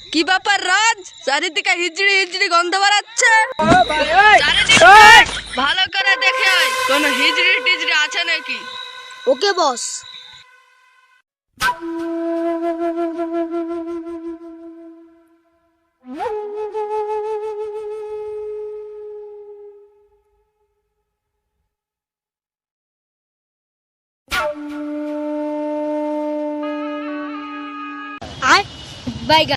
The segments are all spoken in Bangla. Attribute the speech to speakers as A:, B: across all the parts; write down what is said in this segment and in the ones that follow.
A: কি ব্যাপার রাজ? চারিদিকে হিজড়ি হিজড়ি গন্ধ বেরাচ্ছে। ভালো করে দেখে আয়, কোন হিজড়ি টিজড়ি আছে নাকি।
B: ওকে বস। আয় বাইগা।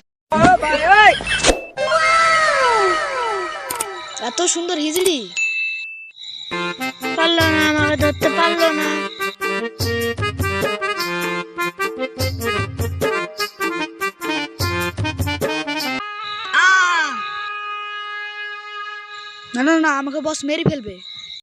B: এত সুন্দর হিজড়ি, পারলো না, আমাকে ধরতে পারলো না। না না না, আমাকে বস মেরে ফেলবে।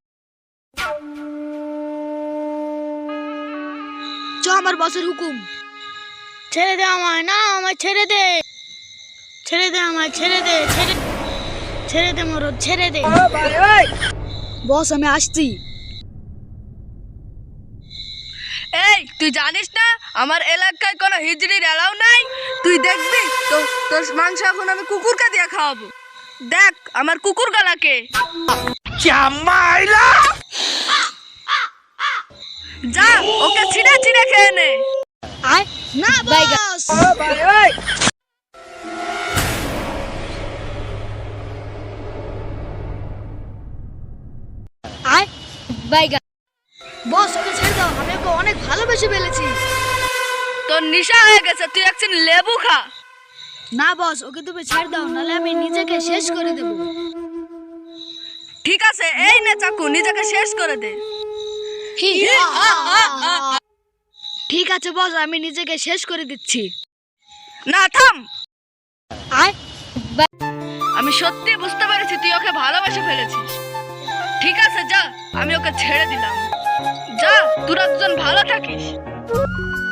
B: চ, আমার বসের হুকুম। ছেড়ে দে আমায়, না আমায় ছেড়ে দে, ছেড়ে দে আমায়, ছেড়ে দে, ছেড়ে দে মরদ, ছেড়ে দে। বস আমি আসছি।
A: এই তুই জানিস না আমার এলাকায় কোনো হিজড়ির এলাও নাই? তুই দেখবি তো তোর মাংস এখন আমি কুকুরকে দিয়ে খাওয়াবো। দেখ আমার কুকুর গলাকে। যা ওকে ছিঁড়ে ছিঁড়ে খেয়ে নে।
B: আয় না বস। আয় বাইগা। বস ওকে ছেড়ে দাও, আমি ওকে অনেক ভালোবেসে ফেলেছি।
A: তোর নেশা হয়ে গেছে, তুই একদিন লেবু খা।
B: না বস, ওকে তুমি ছেড়ে দাও, নাহলে আমি নিজেকে শেষ করে দেব।
A: ঠিক আছে, এই নে চাকু, নিজেকে শেষ করে দে।
B: ঠিক আছে বস, আমি নিজেকে শেষ করে দিচ্ছি।
A: না থাম।
B: আয়
A: আমি সত্যি বুঝতে পেরেছি তুই ওকে ভালোবেসে ফেলেছিস। ঠিক আছে যা, আমি ওকে ছেড়ে দিলাম। যা, তোরা দুজন ভালো থাকিস।